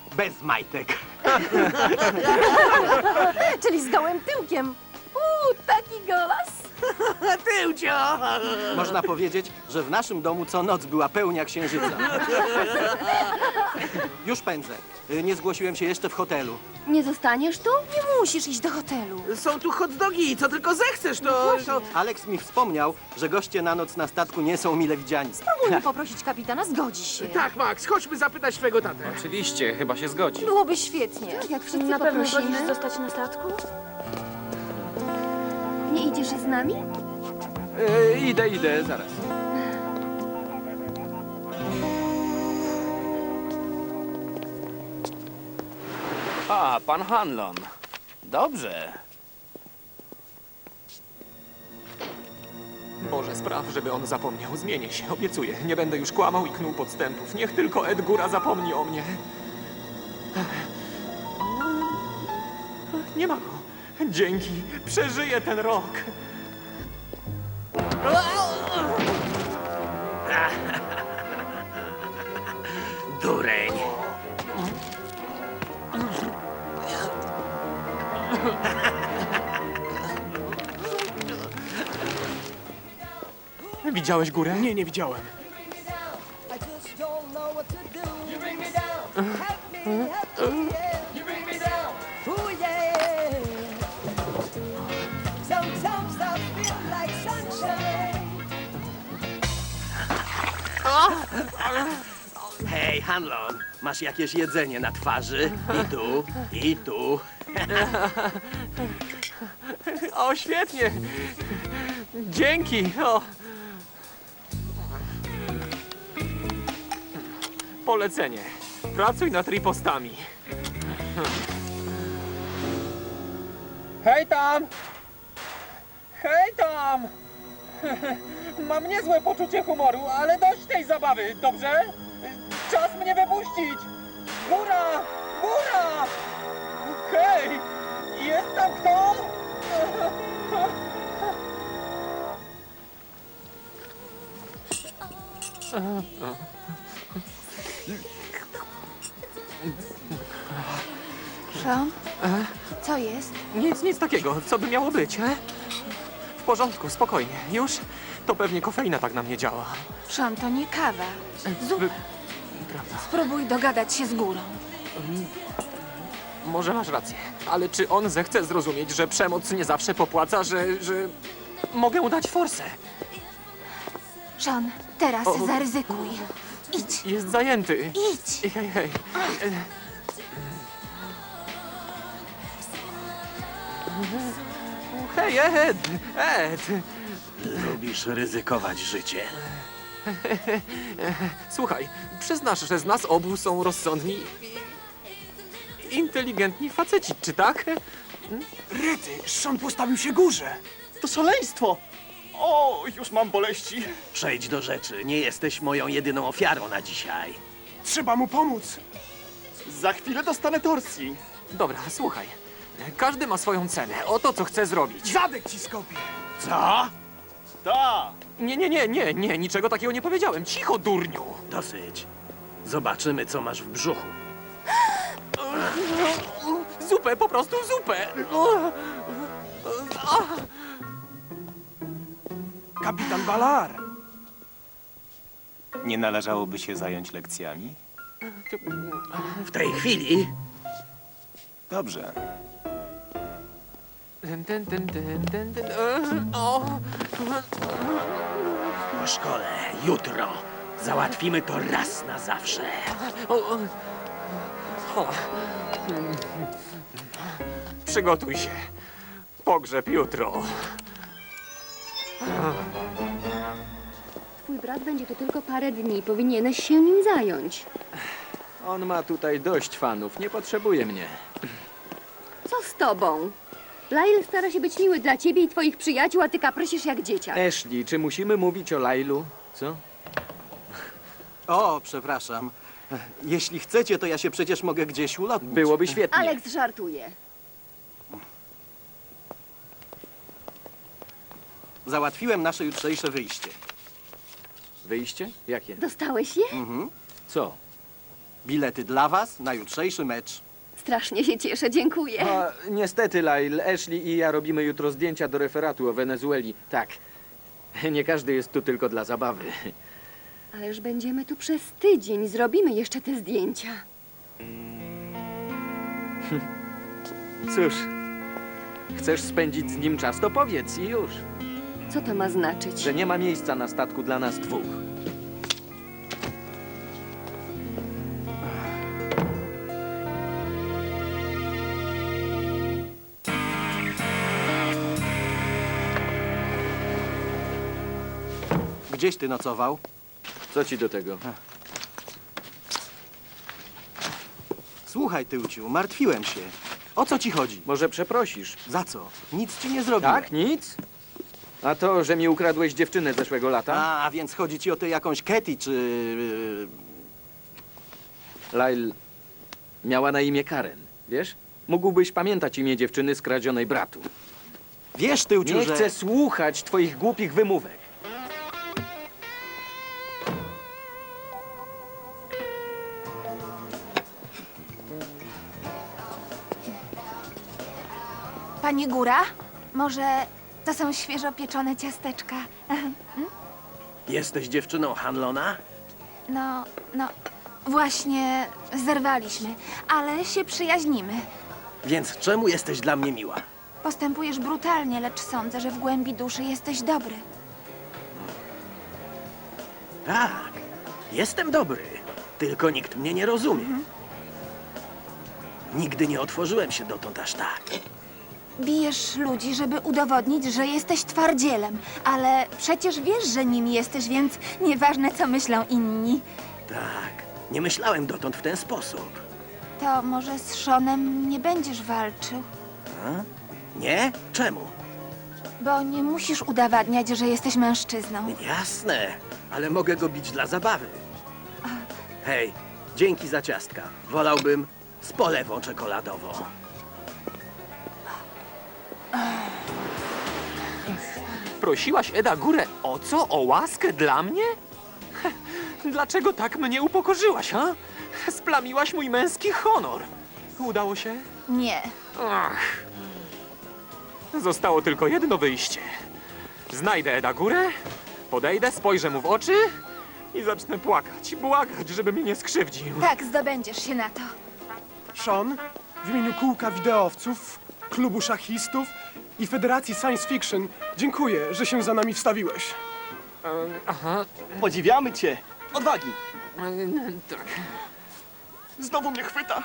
Bez majtek. Czyli z gołym tyłkiem. Taki golas. Tyłcio! Można powiedzieć, że w naszym domu co noc była pełnia księżyca. Już pędzę. Nie zgłosiłem się jeszcze w hotelu. Nie zostaniesz tu? Nie musisz iść do hotelu. Są tu hot dogi, co tylko zechcesz, to... Alex mi wspomniał, że goście na noc na statku nie są mile widziani. Spróbujmy poprosić kapitana, zgodzi się. Tak, Max, chodźmy zapytać twojego tatę. Oczywiście, chyba się zgodzi. Byłoby świetnie. Jak wszyscy Na pewno poprosimy. godzisz zostać na statku? Nie idziesz z nami? Idę, zaraz. A, pan Hanlon. Dobrze. Boże, spraw, żeby on zapomniał. Zmienię się, obiecuję. Nie będę już kłamał i knuł podstępów. Niech tylko Ed Góra zapomni o mnie. Nie ma go. Dzięki. Przeżyję ten rok. Dureń. Widziałeś górę? Nie, nie widziałem. I just don't know what to do. You bring me down. Help me, help me, yeah. You bring me down. Ooh, yeah. Sometimes I feel like sunshine. Hej, Hanlon, masz jakieś jedzenie na twarzy? I tu, i tu. O, świetnie. Dzięki. O. Polecenie. Pracuj nad ripostami. Hej tam! Hej tam! Mam niezłe poczucie humoru, ale dość tej zabawy, dobrze? Czas mnie wypuścić! Góra! Góra! Hej! Jest tam kto? Sean? Co jest? Nic takiego. Co by miało być, he? W porządku, spokojnie. Już? To pewnie kofeina tak na mnie działa. Sean, to nie kawa. Prawda. Spróbuj dogadać się z górą. Może masz rację. Ale czy on zechce zrozumieć, że przemoc nie zawsze popłaca, że mogę mu dać forsę? Sean, teraz O. zaryzykuj. Idź, Jest zajęty. idź. Hej. Hej, Ed! Lubisz ryzykować życie. Słuchaj, przyznasz, że z nas obu są rozsądni i inteligentni faceci, czy tak? Rety, Sean postawił się górze. To szaleństwo! O, już mam boleści. Przejdź do rzeczy. Nie jesteś moją jedyną ofiarą na dzisiaj. Trzeba mu pomóc. Za chwilę dostanę torsji. Dobra, słuchaj. Każdy ma swoją cenę. Oto, co chce zrobić. Zadek ci skopie. Co? Ta! Nie, niczego takiego nie powiedziałem. Cicho, durniu! Dosyć. Zobaczymy, co masz w brzuchu. Zupę, po prostu zupę! Kapitan Balar. Nie należałoby się zająć lekcjami? W tej chwili Dobrze. po szkole, jutro. Załatwimy to raz na zawsze. Przygotuj się. Pogrzeb jutro. Twój brat będzie tu tylko parę dni. Powinieneś się nim zająć. On ma tutaj dość fanów, nie potrzebuje mnie. Co z tobą? Lyle stara się być miły dla ciebie i twoich przyjaciół, a ty kaprysisz jak dzieciak. Ashley, czy musimy mówić o Lailu? Co? O, przepraszam. Jeśli chcecie, to ja się przecież mogę gdzieś ulotnić. Byłoby świetnie. Alex żartuje. Załatwiłem nasze jutrzejsze wyjście. Wyjście? Jakie? Dostałeś je? Co? Bilety dla was na jutrzejszy mecz. Strasznie się cieszę, dziękuję. A, niestety, Lyle, Ashley i ja robimy jutro zdjęcia do referatu o Wenezueli. Tak. Nie każdy jest tu tylko dla zabawy. Ależ będziemy tu przez tydzień. Zrobimy jeszcze te zdjęcia. Cóż, chcesz spędzić z nim czas, to powiedz i już. Co to ma znaczyć? Że nie ma miejsca na statku dla nas dwóch. Gdzieś ty nocował? Co ci do tego? Słuchaj, Tyłciu, martwiłem się. O co ci chodzi? Może przeprosisz? Za co? Nic ci nie zrobiłem. Tak? Nic? A to, że mi ukradłeś dziewczynę zeszłego lata? A więc chodzi ci o tę jakąś Katy, czy... Lyle miała na imię Karen, wiesz? Mógłbyś pamiętać imię dziewczyny skradzionej bratu. Wiesz, Tyłciu, Nie że... chcę słuchać twoich głupich wymówek. Pani Góra? Może to są świeżo pieczone ciasteczka? Jesteś dziewczyną Hanlona? No, właśnie zerwaliśmy, ale się przyjaźnimy. Więc czemu jesteś dla mnie miła? Postępujesz brutalnie, lecz sądzę, że w głębi duszy jesteś dobry. Tak, jestem dobry. Tylko nikt mnie nie rozumie. Nigdy nie otworzyłem się dotąd aż tak. Bijesz ludzi, żeby udowodnić, że jesteś twardzielem, ale przecież wiesz, że nim jesteś, więc nieważne, co myślą inni. Tak, nie myślałem dotąd w ten sposób. To może z Seanem nie będziesz walczył, Nie? Czemu? bo nie musisz udowadniać, że jesteś mężczyzną. Jasne, ale mogę go bić dla zabawy. Hej, dzięki za ciastka. Wolałbym z polewą czekoladową. Prosiłaś Eda Górę o co? O łaskę dla mnie? Dlaczego tak mnie upokorzyłaś, ha? Splamiłaś mój męski honor. Udało się? Nie. Ach. Zostało tylko jedno wyjście. Znajdę Eda Górę, podejdę, spojrzę mu w oczy i zacznę płakać, błagać, żeby mnie nie skrzywdził. Tak, zdobędziesz się na to. Sean, w imieniu kółka wideowców, klubu szachistów i Federacji Science Fiction dziękuję, że się za nami wstawiłeś. Aha, Podziwiamy cię. Odwagi. tak. Znowu mnie chwyta.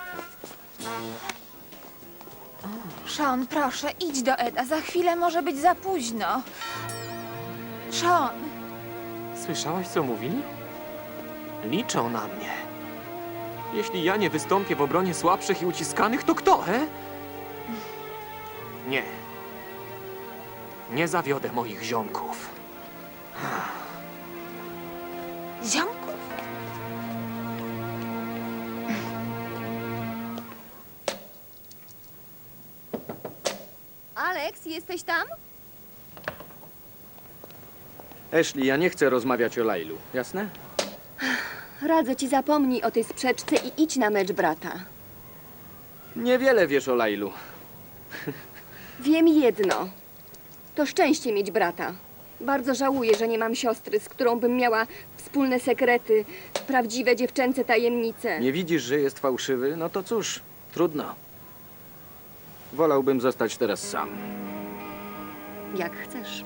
Sean, proszę, idź do Eda. Za chwilę może być za późno. Sean, Słyszałaś, co mówili? Liczą na mnie. Jeśli ja nie wystąpię w obronie słabszych i uciskanych, to kto, he? Nie. Nie zawiodę moich ziomków. ziomku? Alex, jesteś tam? Ashley, ja nie chcę rozmawiać o Lailu, jasne? Radzę ci, zapomnij o tej sprzeczce i idź na mecz brata. Niewiele wiesz o Lailu. Wiem jedno. To szczęście mieć brata. Bardzo żałuję, że nie mam siostry, z którą bym miała wspólne sekrety, prawdziwe dziewczęce tajemnice. Nie widzisz, że jest fałszywy? No to cóż, trudno. Wolałbym zostać teraz sam. Jak chcesz.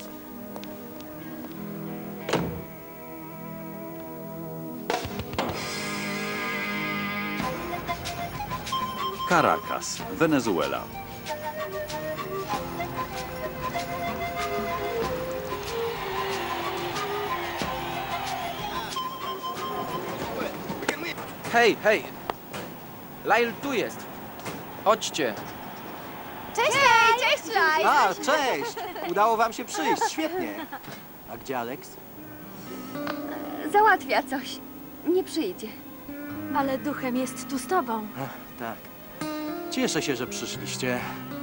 Caracas, Wenezuela. Hej, hej! Lyle tu jest! Chodźcie! Cześć, cześć, Laj! A, cześć! Udało wam się przyjść, świetnie. A gdzie Alex? Załatwia coś. Nie przyjdzie. Ale duchem jest tu z tobą. Tak. Cieszę się, że przyszliście.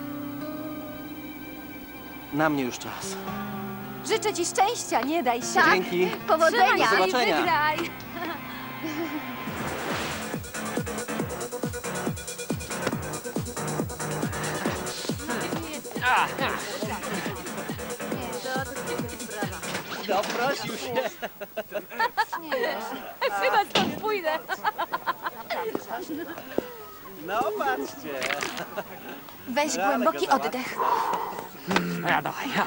Na mnie już czas. Życzę ci szczęścia, nie daj się. Dzięki. Powodzenia! Do zobaczenia. Wygraj. Chyba stąd pójdę. Weź głęboki oddech. Ja, dawaj, ja.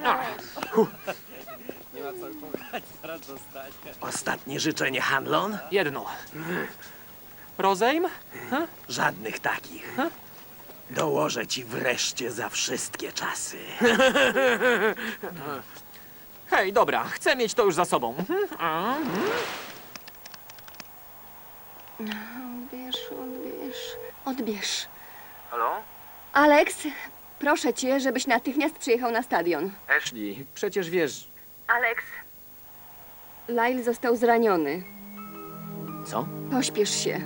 Ostatnie życzenie, Hanlon? Jedno. Rozejm? Żadnych takich. Dołożę ci wreszcie za wszystkie czasy. Hej, dobra, chcę mieć to już za sobą. Odbierz. Halo? Alex, proszę cię, żebyś natychmiast przyjechał na stadion. Ashley, przecież wiesz... Alex. Lyle został zraniony. Co? Pośpiesz się.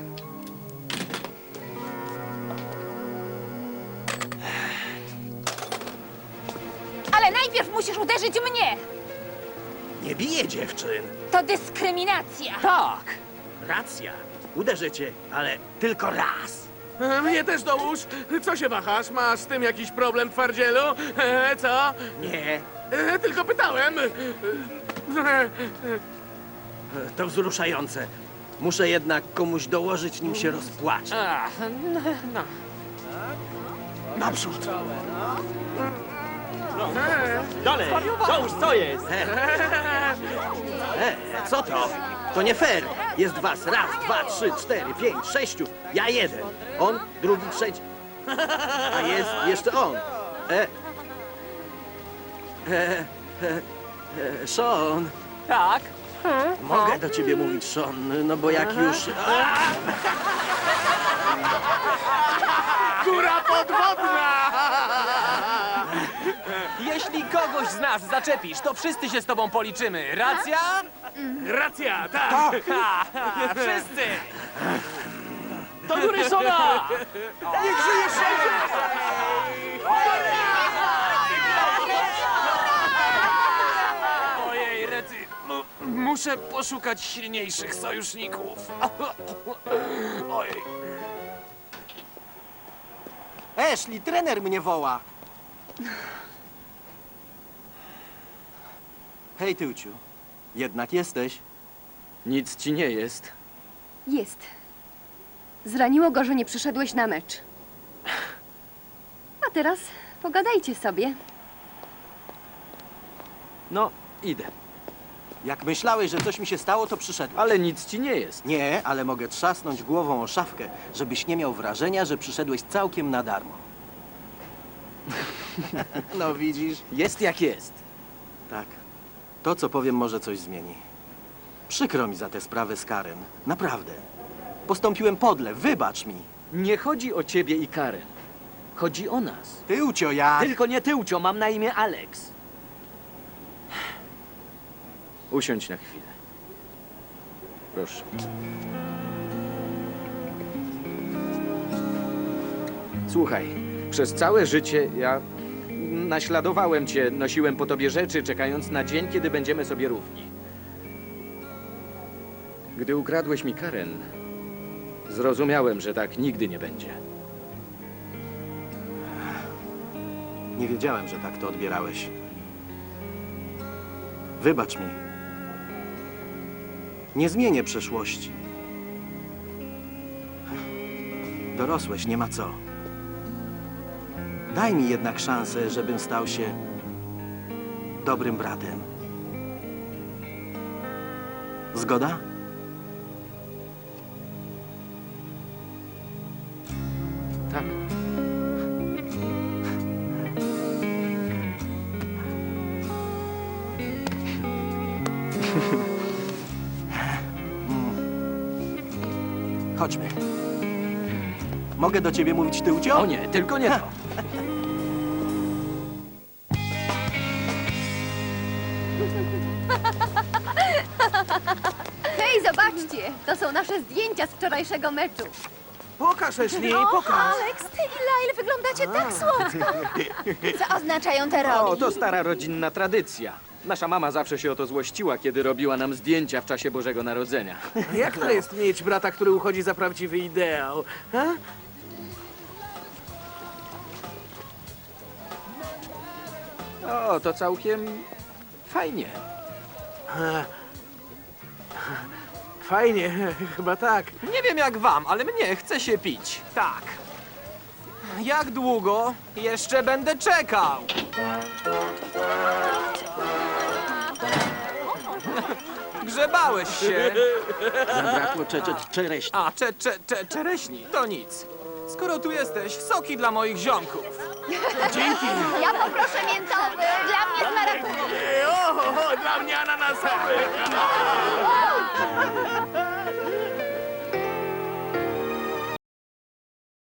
Ale najpierw musisz uderzyć mnie! Nie biję dziewczyn. To dyskryminacja! Tak. Racja. Uderzę cię, ale tylko raz. Mnie też dołóż. Co się wahasz? Masz z tym jakiś problem, twardzielu? Co? Nie, Tylko pytałem. to wzruszające. Muszę jednak komuś dołożyć, nim się rozpłacze. No. Naprzód. Dalej! Dołóż, co jest? Co to? To nie fair. Jest was. Raz, dwa, trzy, cztery, pięć, sześciu. Ja jeden. On, drugi, trzeci. A jest jeszcze on. Sean. Tak? Mogę do ciebie mówić, Sean, no bo jak już... Góra podwodna! Jeśli kogoś z nas zaczepisz, to wszyscy się z tobą policzymy. Racja? Racja, tak! Wszyscy! Do góry, Sona! Niech żyje sześć! Ojej, Rety, muszę poszukać silniejszych sojuszników. Ojej. Ashley, trener mnie woła. Hej, Tyłciu. Jednak jesteś. Nic ci nie jest. Jest. Zraniło go, że nie przyszedłeś na mecz. A teraz pogadajcie sobie. No, idę. Jak myślałeś, że coś mi się stało, to przyszedłem. Ale nic ci nie jest. Nie, ale mogę trzasnąć głową o szafkę, żebyś nie miał wrażenia, że przyszedłeś całkiem na darmo. No widzisz? Jest jak jest. Tak. To, co powiem, może coś zmieni. Przykro mi za tę sprawę z Karen. Naprawdę. Postąpiłem podle. Wybacz mi. Nie chodzi o ciebie i Karen. Chodzi o nas. Tyłcio, ja... Tylko nie Tyłcio, mam na imię Alex. Usiądź na chwilę. Proszę. Słuchaj, przez całe życie ja naśladowałem cię, nosiłem po tobie rzeczy, czekając na dzień, kiedy będziemy sobie równi. Gdy ukradłeś mi Karen, zrozumiałem, że tak nigdy nie będzie. Nie wiedziałem, że tak to odbierałeś. Wybacz mi. Nie zmienię przeszłości. Dorosłeś, nie ma co. Daj mi jednak szansę, żebym stał się dobrym bratem. Zgoda? Tak. Chodźmy. Mogę do ciebie mówić, Tyłcio? O nie, tylko nie to. Hej, zobaczcie! To są nasze zdjęcia z wczorajszego meczu. Pokaż, Ashley, pokaż. Alex, ty i Lyle wyglądacie tak słodko. Co oznaczają te rogi? O, to stara rodzinna tradycja. Nasza mama zawsze się o to złościła, kiedy robiła nam zdjęcia w czasie Bożego Narodzenia. Jak to jest mieć brata, który uchodzi za prawdziwy ideał? A? O, to całkiem fajnie. Fajnie, chyba tak. Nie wiem jak wam, ale mnie chce się pić. Tak. Jak długo jeszcze będę czekał? Grzebałeś się. Zabrakło czereśni. A, czereśni, to nic. Skoro tu jesteś, soki dla moich ziomków. Dzięki. Ja poproszę miętowy. Dla mnie z marakują. O, dla mnie ananasowy.